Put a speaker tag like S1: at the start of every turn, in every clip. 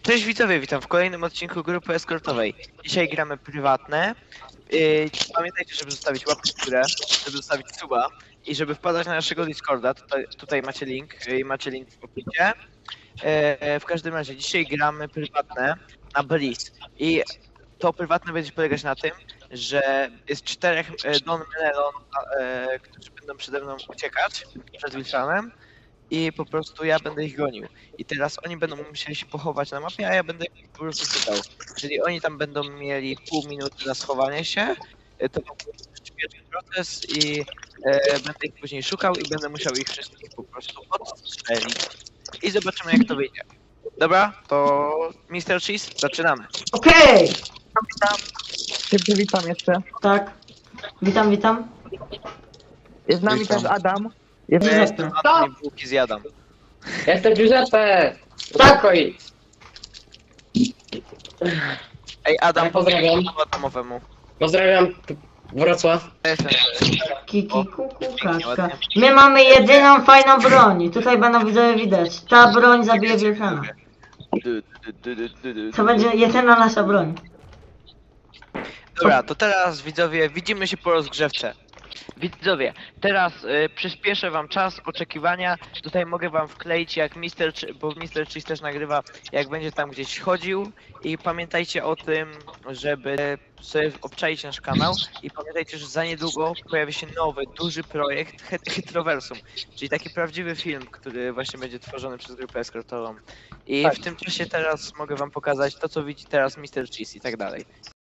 S1: Cześć widzowie, witam w kolejnym odcinku grupy eskortowej. Dzisiaj gramy prywatne. Pamiętajcie, żeby zostawić łapkę w górę, żeby zostawić suba i żeby wpadać na naszego Discorda. Tutaj macie link i macie link w opisie. W każdym razie dzisiaj gramy prywatne na Breeze. I to prywatne będzie polegać na tym, że jest 4 Don Melon, którzy będą przede mną uciekać przed Wilsonem. I po prostu ja będę ich gonił. I teraz oni będą musieli się pochować na mapie, a ja będę ich po prostu szukał. Czyli oni tam będą mieli pół minuty na schowanie się. To będzie przyspieszyć proces i będę ich później szukał i będę musiał ich wszystkich po prostu odstrzelić. I zobaczymy jak to wyjdzie. Dobra, to Mr. Cheese, zaczynamy.
S2: Okej!
S3: Witam. Ciebie witam jeszcze.
S2: Tak. Witam.
S3: Jest z nami
S4: Witam.
S3: też Adam.
S1: Ja
S3: Jest
S1: jestem Adam i bułki zjadam.
S4: Jestem Giuseppe!
S2: Tak.
S4: Spokoj!
S1: Ej Adam,
S4: Pozdrawiam.
S1: Adamowemu.
S4: Pozdrawiam Wrocław.
S1: Ja jestem.
S2: Kiki, kuku, kaczka. My mamy jedyną fajną broń. Tutaj będą widzowie widać. Ta broń zabije Wilkana. To będzie jedyna nasza broń.
S1: Dobra, to teraz widzowie, widzimy się po rozgrzewce. Widzowie, teraz przyspieszę wam czas oczekiwania. Tutaj mogę wam wkleić jak bo Mr. Cheese też nagrywa, jak będzie tam gdzieś chodził. I pamiętajcie o tym, żeby sobie obczaić nasz kanał. I pamiętajcie, że za niedługo pojawi się nowy, duży projekt Hytroversum. Czyli taki prawdziwy film, który właśnie będzie tworzony przez grupę eskortową. I w tym czasie teraz mogę wam pokazać to, co widzi teraz Mr. Cheese i tak dalej.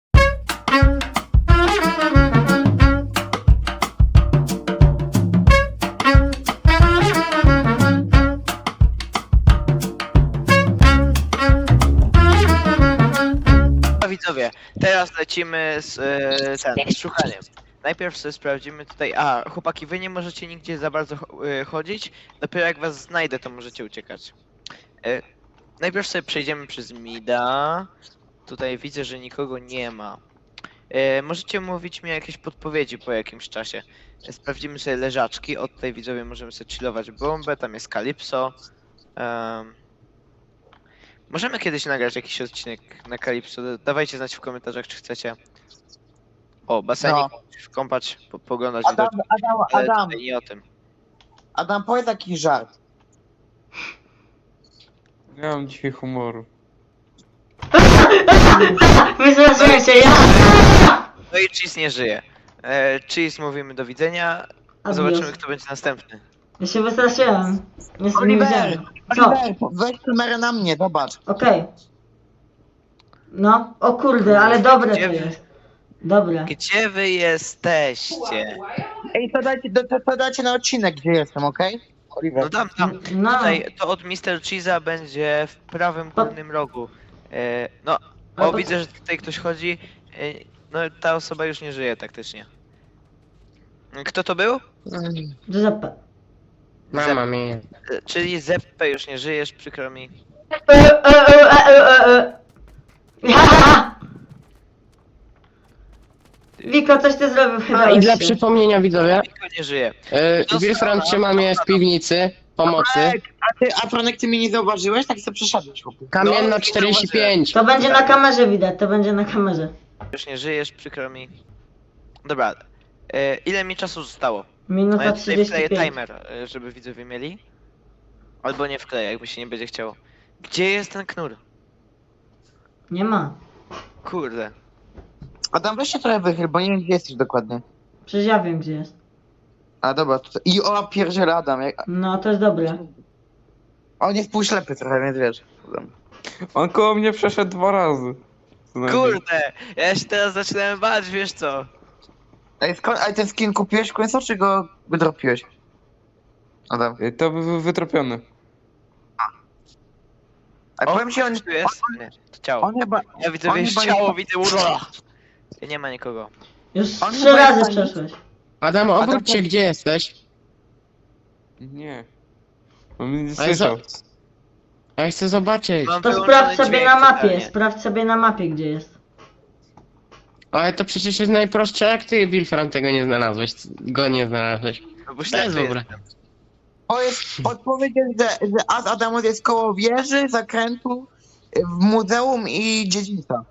S1: Widzowie, teraz lecimy z szukaniem. Najpierw sobie sprawdzimy tutaj. Chłopaki, wy nie możecie nigdzie za bardzo chodzić. Dopiero jak was znajdę, to możecie uciekać. Najpierw sobie przejdziemy przez Mida. Tutaj widzę, że nikogo nie ma. Możecie mówić mi jakieś podpowiedzi po jakimś czasie. Sprawdzimy sobie leżaczki. Od tej widzowie możemy sobie chillować bombę. Tam jest Calypso. Możemy kiedyś nagrać jakiś odcinek na Calypso. Dawajcie znać w komentarzach, czy chcecie. O, basenik, kąpać, poglądać
S3: Adam,
S1: widoki.
S3: Adam, Adam,
S1: Tutaj nie o tym.
S3: Adam, powiedz taki żart.
S5: Nie mam dzisiaj humoru.
S2: Wystraszyłem się, ja!
S1: No i Cheese nie żyje. Cheese mówimy do widzenia.
S2: Adios.
S1: Zobaczymy, kto będzie następny.
S2: Ja się wystraszyłem. Nie
S3: Oliver,
S2: widziałem. Co?
S3: Oliver, weź kamerę na mnie, zobacz.
S2: Okej. No, o kurde, ale dobre to
S1: Gdzie wy-
S2: jest. Dobre.
S1: Gdzie wy jesteście?
S3: Ej, to dajcie na odcinek, gdzie jestem, okej? Oliver.
S1: No tam.
S2: No,
S1: Tutaj to od Mr. Cheese'a będzie w prawym górnym rogu. No,
S2: Ale
S1: o
S2: to-
S1: widzę, że tutaj ktoś chodzi. No ta osoba już nie żyje taktycznie. Kto to był?
S2: Giuseppe.
S4: Mama mi.
S1: Czyli Zeppe już nie żyjesz, przykro mi.
S2: Wiko, coś ty zrobił chyba.
S4: A i dla
S2: jeszcze.
S4: przypomnienia widzowie,
S1: Nikt nie żyje.
S4: Wilfran trzyma mnie w piwnicy pomocy.
S3: A Franek, ty mnie nie zauważyłeś? Tak sobie przeszedłeś, chłopie.
S4: Kamienna
S1: nie
S4: 45.
S2: To będzie na kamerze widać, to będzie na kamerze.
S1: Już nie żyjesz, przykro mi. Dobra. Ile mi czasu zostało? No
S2: Minuta
S1: ja tutaj wkleję
S2: 35.
S1: timer, żeby widzowie mieli. Albo nie wkleję, jakby się nie będzie chciało. Gdzie jest ten knur?
S2: Nie ma.
S1: Kurde.
S3: Adam, weź się trochę wychyl, bo nie wiem, gdzie jesteś dokładnie.
S2: Przecież ja wiem gdzie jest.
S3: A dobra, tutaj. I o, pierdziele Adam.
S2: No, to jest dobre.
S3: On jest półślepy trochę, więc wiesz. Adam.
S5: On koło mnie przeszedł 2 razy. Co najmniej.
S1: Kurde! Ja się teraz zaczynałem bać, wiesz co?
S3: Ej, a ten skin kupiłeś w końcu, czy go wydropiłeś? Adam.
S5: To był wytropiony.
S3: A powiem ci, on
S1: Tu jest? Nie, to ciało.
S3: on chyba...
S1: Ja widzę,
S3: on
S1: wiesz,
S3: chyba
S1: ciało,
S3: jest-
S1: widzę urola. Nie ma nikogo.
S2: Już
S3: On
S2: 3
S3: chyba
S2: razy
S3: jest-
S2: przeszłeś.
S4: Adam, obróć się, gdzie jesteś?
S5: Nie. On mnie nie
S4: Ale
S5: słyszał.
S4: Ja chcę zobaczyć.
S1: Mam
S2: To
S1: wyłączony
S2: sprawdź sobie
S1: dźwięk
S2: na mapie,
S1: totalnie.
S2: sprawdź sobie na mapie gdzie jest.
S4: Ale to przecież jest najprostsze, jak ty, Wilfran, tego nie znalazłeś. Go nie znalazłeś.
S1: No bo
S4: To jest
S1: ślepy
S4: dobre.
S1: jestem.
S3: To jest odpowiedź, że Adamus jest koło wieży, zakrętu W muzeum i dziedzińca.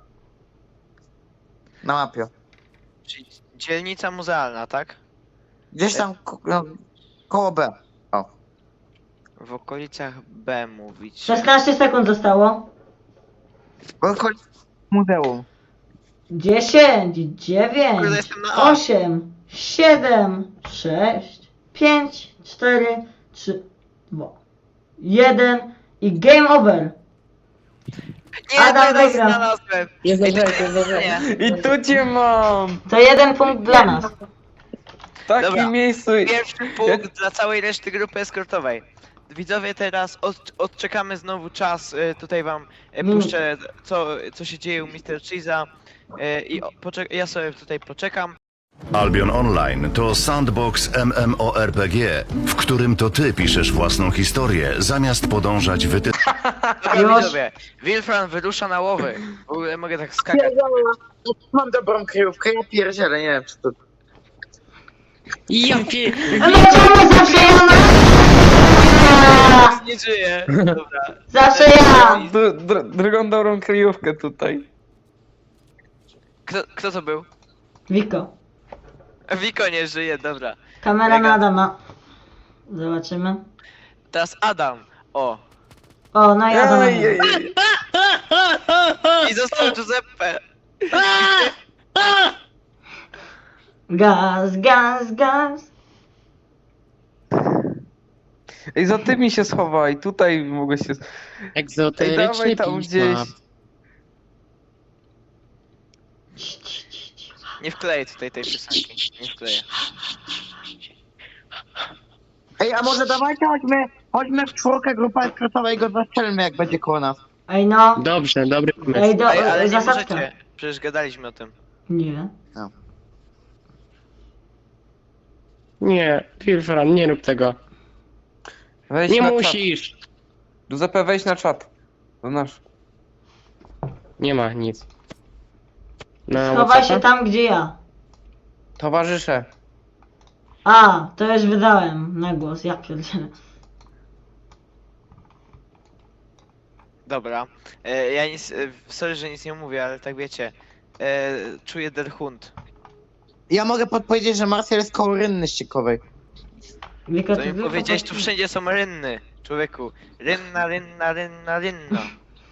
S3: Na mapie.
S1: Czyli dzielnica muzealna, tak?
S3: Gdzieś tam koło B. O.
S1: W okolicach B mówić.
S2: 16 sekund zostało.
S3: W okolicy muzeum.
S2: 10,
S1: Kurde,
S2: 9,
S1: jestem na A.
S2: 8, 7, 6, 5, 4, 3, 2, 1 i game over.
S1: Nie,
S2: Adam
S1: teraz
S2: wygrał.
S1: znalazłem.
S4: Nie
S1: Ej, to
S4: zdążyłeś, nie
S1: nie,
S4: zdążyłeś.
S1: nie.
S5: I tu cię mam!
S2: To 1 punkt dla nas.
S5: W takim
S1: Dobra.
S5: miejscu.
S1: Pierwszy punkt dla całej reszty grupy eskortowej. Widzowie, teraz odczekamy znowu czas. Tutaj wam puszczę, co się dzieje u Mr. Cheese'a. I ja sobie tutaj poczekam.
S6: Albion Online to sandbox MMORPG, w którym to ty piszesz własną historię, zamiast podążać
S1: Dobra,
S2: Już.
S1: widzowie, Wilfran wyrusza na łowy. W ogóle mogę tak skakać.
S3: Mam dobrą kryjówkę, ja pierdzielę, nie wiem czy to...
S4: Ja pie...
S2: No czemu zawsze ja na...
S1: Nie żyje. Dobra.
S2: Zawsze ja.
S5: Drugą dobrą kryjówkę tutaj.
S1: Kto to był?
S2: Wiko.
S1: Wiko nie żyje, dobra.
S2: Kamera na Adama. Zobaczymy.
S1: Teraz Adam. O.
S2: O, no i Adam.
S5: Ej, ej, ej.
S1: I został Giuseppe.
S2: Gaz, gaz, gaz.
S5: Ej, za tymi się schowaj, tutaj mogę się... Ej,
S4: Egzoteryczny
S5: dawaj tam gdzieś.
S1: Nie wkleję tutaj tej piosenki. Nie wkleję.
S3: Ej, a może dawajcie, chodźmy w czwórkę grupa eskortowa i go zastrzelmy jak będzie koło nas.
S2: Ej no.
S4: Dobrze, dobry
S2: Ej,
S4: pomysł.
S2: do,
S1: Ej, ale nie
S2: zasadka.
S1: możecie. Przecież gadaliśmy o tym.
S2: Nie.
S4: Nie, Wilfran, nie rób tego.
S5: Weź
S4: Nie
S5: na
S4: musisz.
S5: Czat. Giuseppe, weź na czat. To nasz.
S4: Nie ma nic. Na
S2: Schowaj się
S4: WhatsAppa?
S2: tam, gdzie ja.
S5: Towarzysze.
S2: A, to już wydałem na głos, ja pierdzielę.
S1: Dobra. Ja nic. Sorry, że nic nie mówię, ale tak wiecie. Czuję der Hund.
S3: Ja mogę podpowiedzieć, że Marcel jest koło rynny ściekowej.
S2: Wiko,
S1: Co
S2: ty
S1: mi
S2: tylko
S1: powiedziałeś, tu
S2: podpis-
S1: wszędzie są rynny. Człowieku. Rynna, rynna, rynna, rynna.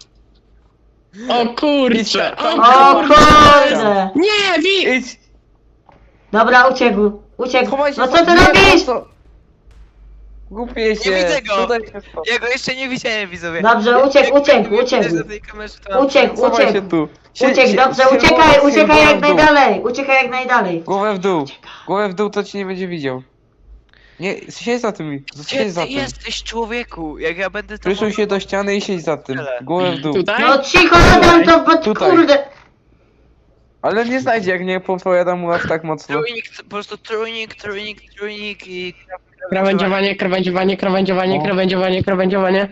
S4: O kurczę!
S2: O kurde!
S4: Nie,
S5: Idź!
S2: Dobra, uciekł. Uciekł.
S5: Schowaj się!
S2: No co ty
S5: nie,
S2: robisz?
S5: po co? Głupie się.
S1: widzę go!
S5: Tutaj się schowaj.
S1: Ja go jeszcze nie widziałem, widzowie.
S2: Dobrze, uciekł.
S1: Na tej kamerze, to-
S2: Uciekł,
S5: Schowaj się
S2: uciekł.
S5: tu.
S2: Uciekł, dobrze, uciekaj jak najdalej. Uciekaj jak najdalej.
S5: Głowę w dół. Głowę w dół, to cię nie będzie widział. Nie, siedź za tym.
S1: Gdzie
S5: Siedź za
S1: ty
S5: tym.
S1: jesteś, człowieku? Jak ja będę to...
S5: Przysuń się do ściany i siedź za tym. Głowę w dół.
S4: Tutaj?
S2: No cicho, Adam, to bo
S5: Tutaj.
S2: kurde.
S5: Ale nie znajdzie, jak nie podpowiadam mu aż tak mocno.
S1: Trójnik, po prostu trójnik i...
S4: Krawędziowanie, krawędziowanie, krawędziowanie,
S5: O.
S4: krawędziowanie, krawędziowanie.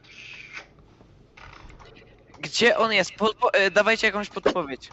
S1: Gdzie on jest? Dawajcie jakąś podpowiedź.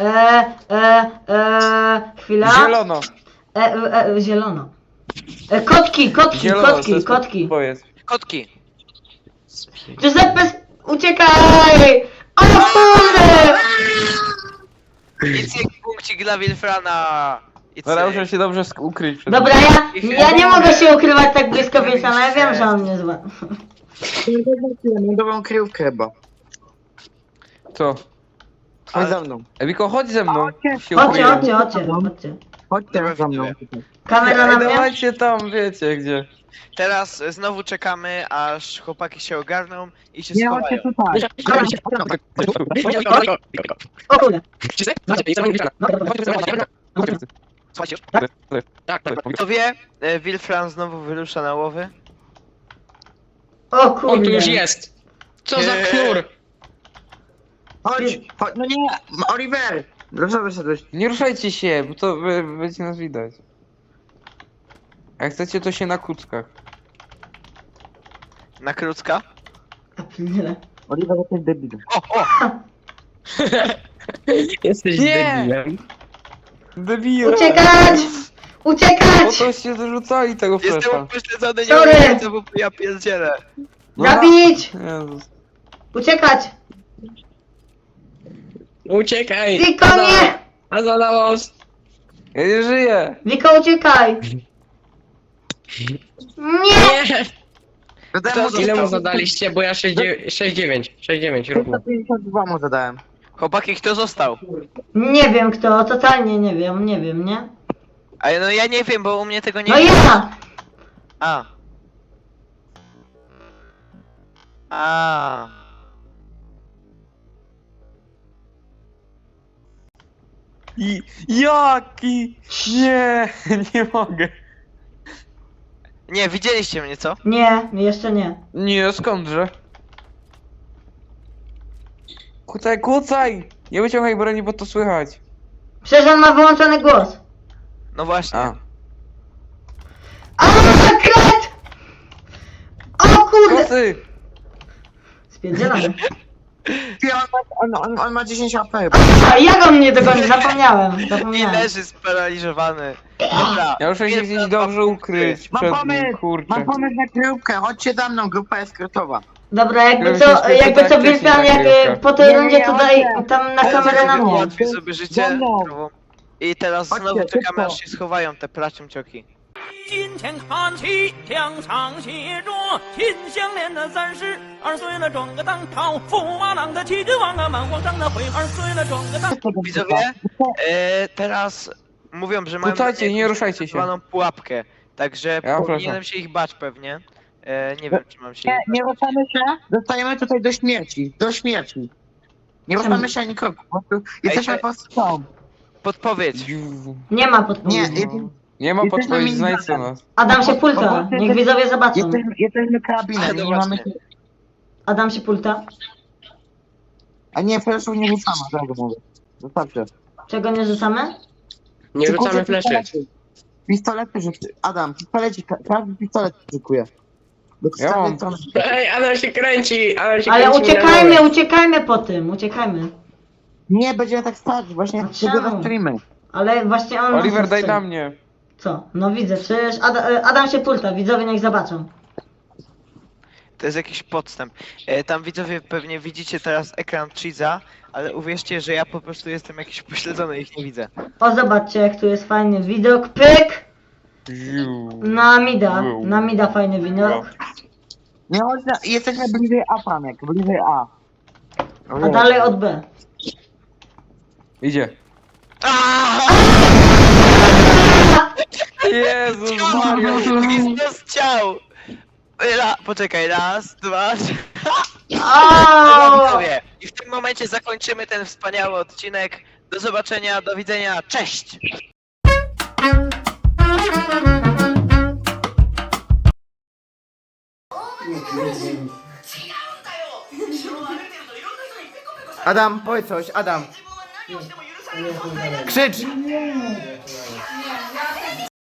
S2: Chwila.
S5: Zielono.
S2: Zielono. Kotki.
S5: Zielono, to jest
S2: Kotki.
S5: podpowiedź.
S1: Kotki.
S2: Giuseppe, uciekaj! O kurde!
S1: Nic jak punkcik dla Wilfrana. I
S5: Dobra,
S1: cyk.
S5: muszę się dobrze ukryć przed
S2: Dobra, ja nie mogę się ukrywać tak blisko Wilsona, ja wiem, że on mnie zła.
S3: Mam dobrą kryjówkę chyba.
S5: Co?
S3: Chodź za mną.
S5: Ewiko, chodź ze mną. Się
S2: Chodźcie.
S5: ukryjemy.
S3: Chodź teraz za mną.
S2: Kamera na
S5: Ej,
S2: mnie?
S5: dawajcie tam, wiecie gdzie.
S1: Teraz znowu czekamy, aż chłopaki się ogarną i się
S3: Nie,
S1: schowają.
S3: chodźcie tutaj.
S2: O kurde.
S1: Słuchajcie,
S4: Tak, tak.
S1: kto wie, Wilfran znowu wyrusza na łowy.
S2: O
S4: On tu
S2: kurde.
S4: już jest. Co za knur?
S3: Chodź, no nie, Oliver! Dlaczego wyszedłeś?
S5: Nie ruszajcie się, bo to będzie nas widać. Jak chcecie, to się na kuckach.
S1: Na krótka.
S2: Ja pierdzielę.
S3: Oliver, to jest debil.
S1: O!
S4: Jesteś
S5: Nie!
S4: debilem.
S5: Debile!
S2: Uciekać!
S5: Po
S2: Uciekać!
S5: to się zarzucali tego
S1: Jestem
S5: flesza.
S1: upośledzony, nie
S2: Sorry.
S1: wiem, bo ja pierdzielę.
S2: Zabić!
S5: Jezus.
S2: Uciekać!
S4: Uciekaj!
S2: Wiko, nie!
S4: A Adamus!
S5: Ja nie żyję!
S2: Wiko, uciekaj! Nie!
S4: Nie!
S3: Dodałem mu
S4: Ile mu zadaliście? Bo ja 6,9 równo.
S3: 152 mu zadałem.
S1: Chłopaki, kto został?
S2: Nie wiem kto, totalnie nie wiem, nie?
S1: A no ja nie wiem, bo u mnie tego nie
S2: No ja!
S1: A. A.
S5: Jaki? Nie, nie mogę.
S1: Nie, widzieliście mnie, co?
S2: Nie, jeszcze nie.
S5: Nie, skądże? Kucaj, kucaj! Nie wyciągaj broni, bo to słychać.
S2: Przecież on ma wyłączony głos.
S1: No właśnie.
S5: A.
S2: A, kret! O kurde!
S5: Kosy!
S2: Spierdzielamy.
S3: On ma 10 AP.
S2: A jak on mnie dogoni? Zapomniałem.
S1: I leży sparaliżowany. Dobra.
S5: Ja muszę się
S1: pierwsza
S5: gdzieś
S1: dwa
S5: dobrze
S1: punkty.
S5: ukryć
S3: Mam
S5: przed nim,
S3: pomysł!
S5: kurczę.
S3: Mam pomysł na grupkę, chodźcie za mną, grupa eskortowa.
S2: Dobra, jakby
S5: Gdyby
S2: co,
S5: się spytał,
S2: jakby co
S5: tak
S2: Wilfran,
S5: wcześniej
S2: jak
S5: nagrywka.
S2: po tej
S3: Nie,
S2: rundzie
S3: nie,
S2: to daj
S3: chodźcie.
S2: tam na kamerę na mnie.
S1: Ułatwi sobie życie.
S3: Za mną.
S1: I teraz
S3: Chodźcie,
S1: znowu czekamy,
S3: szybko.
S1: aż się schowają te placiumcioki.
S7: 金钱看齐，墙上写着“秦香莲”的32岁了，转个当朝，驸马郎的齐君王啊，满皇上的悔2岁了，转个当。
S1: Widzowie, teraz mówią, że mają
S5: Kucajcie, nie
S1: jakąś
S5: ruszajcie się.
S1: zwaną pułapkę. Także
S5: Ja
S1: powinienem
S5: proszę.
S1: się ich bać pewnie. Nie wiem, czy mam się ich
S3: Nie ruszamy się, dostajemy tutaj do śmierci, do śmierci. Nie ruszamy się ani kroku, po prostu jesteśmy
S1: Ej,
S3: pod strzałą.
S1: podpowiedź.
S2: Nie ma
S3: Nie,
S2: podpowiedzi.
S5: Nie ma
S3: Jesteśmy
S5: podpowiedzi, znajdź co
S3: minimum.
S5: nas.
S2: Adam się pulta,
S3: Po-
S2: niech widzowie zobaczą.
S3: jesteśmy karabinem,
S1: No
S3: nie mamy
S1: właśnie.
S3: się...
S2: Adam się pulta.
S3: A nie, fleszu nie ruszamy, tak mówię. Zostawcie.
S2: Czego nie rzucamy?
S4: Nie rzucamy
S3: Szykujcie
S4: fleszy.
S3: pistolety. Pistolety rzucę. Adam, pistoleci, każdy pistolet szykuje. Do
S5: Ja mam.
S3: strony.
S4: Ej, Adam się kręci! Adam się
S2: Ale
S4: kręci na
S2: uciekajmy,
S4: dole.
S2: uciekajmy po tym, uciekajmy.
S3: Nie, będziemy tak stać, właśnie
S2: A
S3: wtedy
S2: czemu?
S3: rozstrzelimy.
S2: Ale właśnie on...
S5: Oliver,
S2: nas
S5: daj
S2: strzeli.
S5: na mnie.
S2: Co? No widzę, przecież Adam się pulta, widzowie niech zobaczą.
S1: To jest jakiś podstęp. Tam widzowie pewnie widzicie teraz ekran Cheese'a, ale uwierzcie, że ja po prostu jestem jakiś pośledzony, ich nie widzę.
S2: O, zobaczcie jak tu jest fajny widok, pyk! Na mida fajny widok.
S3: Nie chodź na... Jesteśmy bliżej A, Panek, bliżej A.
S2: A dalej od B.
S5: Idzie. Jezus Maria.
S1: Jezus ciał! Poczekaj, raz, dwa, trzy.
S2: Aaaa!
S1: Widzowie, i w tym momencie zakończymy ten wspaniały odcinek. Do zobaczenia, do widzenia, cześć!
S3: Adam, powiedz coś, Adam. Krzycz!